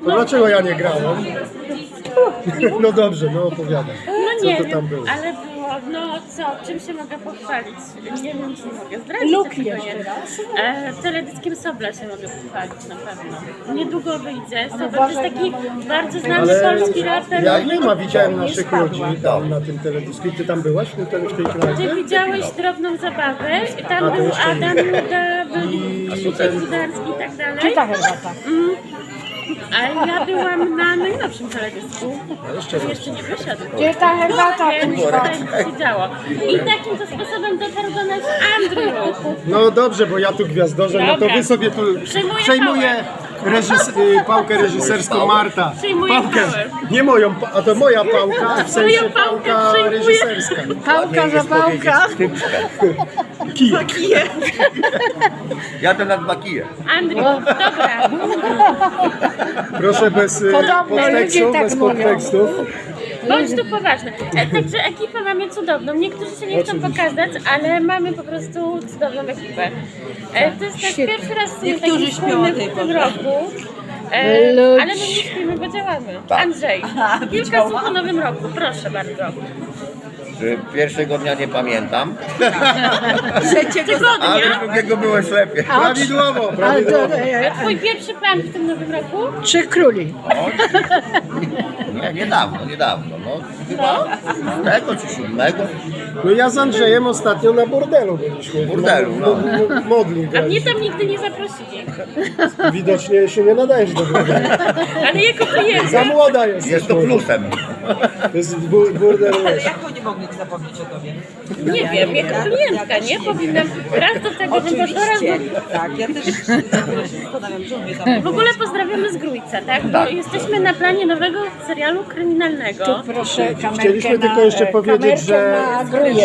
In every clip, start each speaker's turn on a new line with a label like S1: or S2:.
S1: To dlaczego ja nie grałem? No dobrze, no opowiadam.
S2: No nie
S1: Co to
S2: wiem,
S1: tam było?
S2: ale było, no co, czym się mogę pochwalić? Nie wiem, czy mogę zdradzić.
S3: Lub
S2: tylko
S3: jeszcze
S2: nie.
S3: raz.
S2: Teledyskiem Sobla się mogę pochwalić na pewno. Niedługo wyjdzie. Sobla to jest
S3: uważaj
S2: taki
S3: na moją-
S2: bardzo znany
S1: Ale
S2: polski raper.
S1: ja nie ma, widziałem
S3: Nie
S1: naszych
S3: spadła.
S1: ludzi tam na tym teledysku. I ty tam byłaś w tej
S2: Ty
S1: knajpie?
S2: widziałeś drobną zabawę, tam
S1: A, to
S2: był
S1: jeszcze nie.
S2: Adam Nuda, był Krzysiek Rudarski i tak dalej.
S3: Czy ta herbata?
S2: A ja byłam na najnowszym teledysku.
S1: Jeszcze raz.
S2: Jeszcze nie wyszedł.
S3: Gdzie ta herbata?
S2: Więc
S3: kuźwa?
S2: tutaj się działo. I takim to sposobem dotarł do nas Andrew.
S1: No dobrze, bo ja tu gwiazdorzę, no to
S2: Dobra.
S1: wy sobie tu
S2: Przejmuję
S1: pałkę reżyserską Marta.
S2: Przyjmuję
S1: Pałkę,
S2: pałę.
S1: nie moją, a to moja pałka, w sensie
S2: Moją pałkę
S1: pałka
S2: przyjmuję.
S1: reżyserska.
S3: Pałka za pałka.
S1: Kij.
S4: Jadę na 2 kije.
S2: Andrew, dobra.
S1: Proszę bez
S3: Podobno
S1: podtekstu,
S3: ludzie tak
S1: bez
S3: mówią.
S1: podtekstów.
S2: Bądź tu poważny. Także ekipę mamy cudowną. Niektórzy się nie chcą
S1: Oczywiście.
S2: pokazać, ale mamy po prostu cudowną ekipę. To jest nasz
S3: Świetnie.
S2: pierwszy raz w sumie
S5: Niektórzy
S2: taki
S5: śpią
S2: wspólny
S5: o tej
S2: w tym
S5: porze.
S2: roku.
S3: Ludź.
S2: Ale my nie śpimy, bo działamy.
S4: Tak.
S2: Andrzej, kilka słów o nowym roku, proszę bardzo.
S4: Pierwszego dnia nie pamiętam,
S2: Tygodnia.
S4: ale drugiego byłeś lepiej.
S1: Prawidłowo,
S3: Ale
S1: prawidłowo.
S3: to,
S2: Twój pierwszy plan w tym nowym roku?
S3: Trzech króli.
S4: Nie, niedawno, no chyba z tego czy 7.
S1: No ja z Andrzejem ostatnio na bordelu byliśmy.
S4: Bordelu, no.
S1: Modli
S2: A mnie
S1: graliśmy.
S2: tam nigdy nie zaprosili.
S1: Widocznie się nie nadajesz do bordelu.
S2: Ale jako
S1: Za
S2: klienta.
S1: młoda jesteś.
S4: Jest to
S1: może.
S4: plusem.
S1: To jest burdel.
S5: Ale jak oni mogli zapomnieć o tobie?
S2: Nie wiem, jako klientka, nie? Powinnam raz do tego, raz do...
S5: Tak, ja też zastanawiam, że on mnie tam...
S2: W ogóle pozdrawiamy z Grójca, tak? Bo jesteśmy na planie nowego serialu kryminalnego.
S3: Proszę kamerkę
S1: Chcieliśmy
S3: na,
S1: tylko jeszcze powiedzieć,
S3: kamerkę na gruje.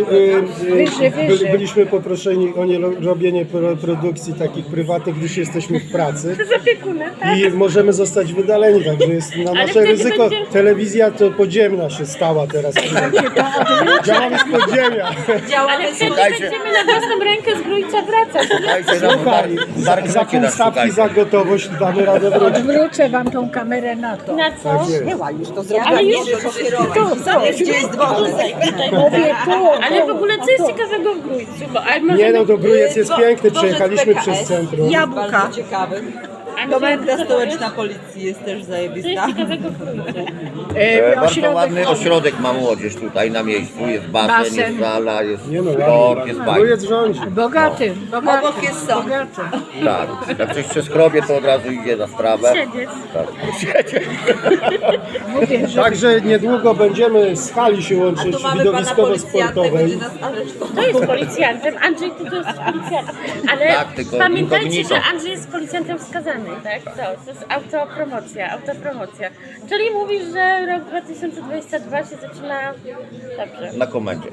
S3: Wyżej.
S1: byliśmy poproszeni o nie robienie produkcji takich prywatnych, gdyż jesteśmy w pracy.
S2: Z opiekunem, tak?
S1: I możemy zostać wydaleni, także jest na nasze
S2: wtedy
S1: ryzyko.
S2: będzie-
S1: Telewizja to podziemna się stała teraz. Działamy z podziemia.
S2: Ale wtedy
S4: Słuchajcie.
S2: będziemy na własną rękę z Grójca wracać.
S4: Dajcie nam
S1: Słuchaj, za pół stawki za gotowość damy radę wrócić.
S3: Odwrócę wam tą kamerę na to.
S2: Na co?
S1: Tak jest.
S5: Była już to zrobiła,
S2: Ale
S5: nie
S2: już-
S5: że pokierować. Zobacz, gdzie jest dworzec.
S3: Mówię tu.
S2: Ale w ogóle co jest ciekawego w Grójcu? Bo, ale może
S1: Nie no, to Grójec jest piękny,
S5: Dworzec
S1: przejechaliśmy
S5: PKS,
S1: przez centrum.
S5: Jabłka. Bardzo ciekawy. Komenda
S2: co to
S5: stołeczna policji jest też
S2: Co
S5: zajebista.
S2: jest ciekawego w Grójcu?
S4: Bardzo ładny ośrodek ma młodzież tutaj na miejscu. Jest basen,
S3: Basen.
S4: jest sala, jest
S1: Nie no,
S4: sport, jest bajka.
S1: Grójec rządzi.
S3: Bogaty, bogaty.
S5: Obok jest sąd.
S3: Bogaty.
S4: Tak, jak coś się skrobie, to od razu idzie na sprawę.
S2: Siedzieć.
S4: Tak, siedzieć.
S3: Mówię, że
S1: Także niedługo będziemy z hali się
S5: A
S1: łączyć
S5: tu mamy pana policjanta, będzie
S1: widowiskowo-sportowej.
S5: nas aresztował.
S2: To jest policjantem, Andrzej ty to jest policjantem. Ale
S4: Tak, tylko
S2: pamiętajcie,
S4: incognito.
S2: że Andrzej jest policjantem wskazany, tak? To jest autopromocja. Czyli mówisz, że rok 2022 się zaczyna dobrze.
S4: Na komendzie.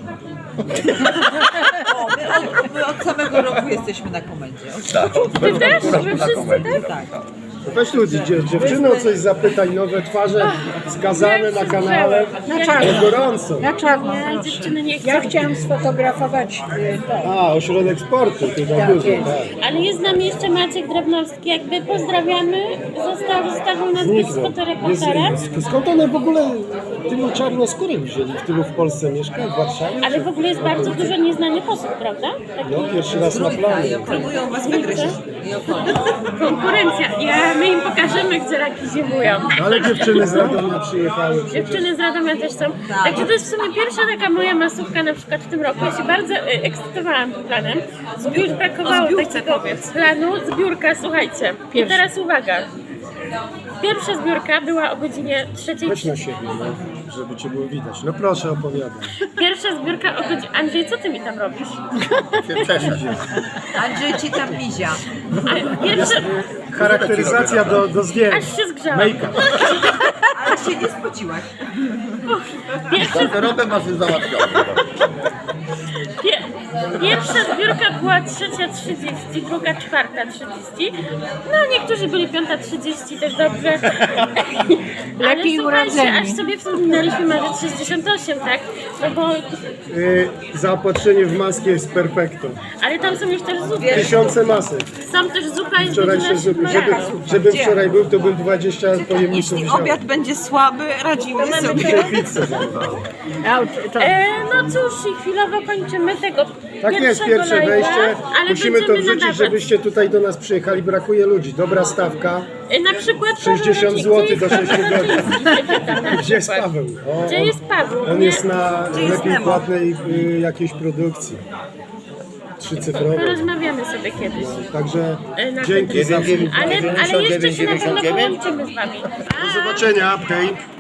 S5: O, my od samego roku jesteśmy na komendzie.
S4: Tak.
S2: Ty też? Wy
S4: Na
S2: wszyscy
S4: komendzie,
S2: tak?
S5: Tak.
S1: Weź ludzi, dziewczyny o coś zapytaj, nowe twarze skazane
S2: Ja
S1: na
S2: się
S1: kanale.
S2: zgrzałem.
S3: na czarno.
S1: Gorąco.
S3: Na czarno.
S2: Nie,
S3: proszę.
S2: dziewczyny nie chcą.
S3: Ja chciałam sfotografować to.
S1: A, ośrodek sportu, tutaj
S3: Tak
S1: dużo,
S3: jest.
S1: tak.
S2: Ale jest z nami jeszcze Maciek Drabnowski, jakby pozdrawiamy. Zostawił nas być
S1: Zniknął.
S2: fotoreporterem.
S1: Skąd one w ogóle tylu czarnoskórych wzięli? Tylu w Polsce mieszka, w Warszawie?
S2: Ale w ogóle jest bardzo dużo nieznanych osób, prawda?
S1: No, pierwszy raz na
S5: I
S1: planie.
S5: próbują was wygryźć. I okolic.
S2: Konkurencja. My im pokażemy, gdzie raki zimują.
S1: Ale dziewczyny z Radomia przyjechały przecież.
S2: Dziewczyny z Radomia też są. Także to jest w sumie pierwsza taka moja masówka na przykład w tym roku. Ja się bardzo ekscytowałam tym planem. Już brakowało takiego planu. Zbiórka, słuchajcie. I teraz uwaga. Pierwsza zbiórka była o godzinie 3:30.
S1: Weź na siebie, no, żeby cię było widać. No proszę, opowiadaj.
S2: Pierwsza zbiórka o godzinie... Andrzej, co ty mi tam robisz?
S4: Się cieszę.
S5: Andrzej ci tam mizia.
S2: A pierwsza...
S1: Charakteryzacja do zdjęć.
S2: Aż się zgrzałam.
S1: Make-up.
S5: Ale się nie spociłaś.
S2: Pierwsza,
S4: Garderobę masz już załatwioną.
S2: Pierwsza zbiórka była 3:30, druga 4:30. No niektórzy byli 5:30 też dobrze.
S3: Lepiej
S2: Ale słuchajcie,
S3: urodzeni.
S2: aż sobie wspominaliśmy marzec 68, tak? No bo,
S1: Zaopatrzenie w maskę jest perfekto.
S2: ale tam są już też zupy.
S1: Tysiące masek.
S2: Są też zupa i
S1: Wczorajsze
S2: z
S1: zupy.
S2: godzina
S1: Żebym wczoraj był, to bym 20 pojemników
S5: Jeśli
S1: wziął.
S5: obiad będzie słaby, radzimy sobie.
S1: Pizzę zamówił.
S2: No cóż, i chwilowo kończymy tego
S1: Tak jest,
S2: pierwszego
S1: pierwsze
S2: live'a,
S1: wejście.
S2: ale
S1: Musimy to
S2: będziemy
S1: wrzucić,
S2: nadawać.
S1: żebyście tutaj do nas przyjechali. Brakuje ludzi. Dobra stawka.
S2: Na przykład
S1: 60
S2: Paweł
S1: zł
S2: Radziecki,
S1: do 6 godzin.
S2: na
S1: Gdzie jest
S2: przykład.
S1: Paweł? O,
S2: Gdzie jest Paweł?
S1: On
S2: Nie-
S1: jest na
S5: jest
S1: lepiej
S5: Nemo?
S1: płatnej jakiejś produkcji. 3-cyfrowej.
S2: Porozmawiamy sobie kiedyś.
S1: Także
S2: Na
S1: dzięki za
S2: Ale jeszcze się na pewno
S4: 99,99?
S2: połączymy z wami.
S1: Do zobaczenia. Hej.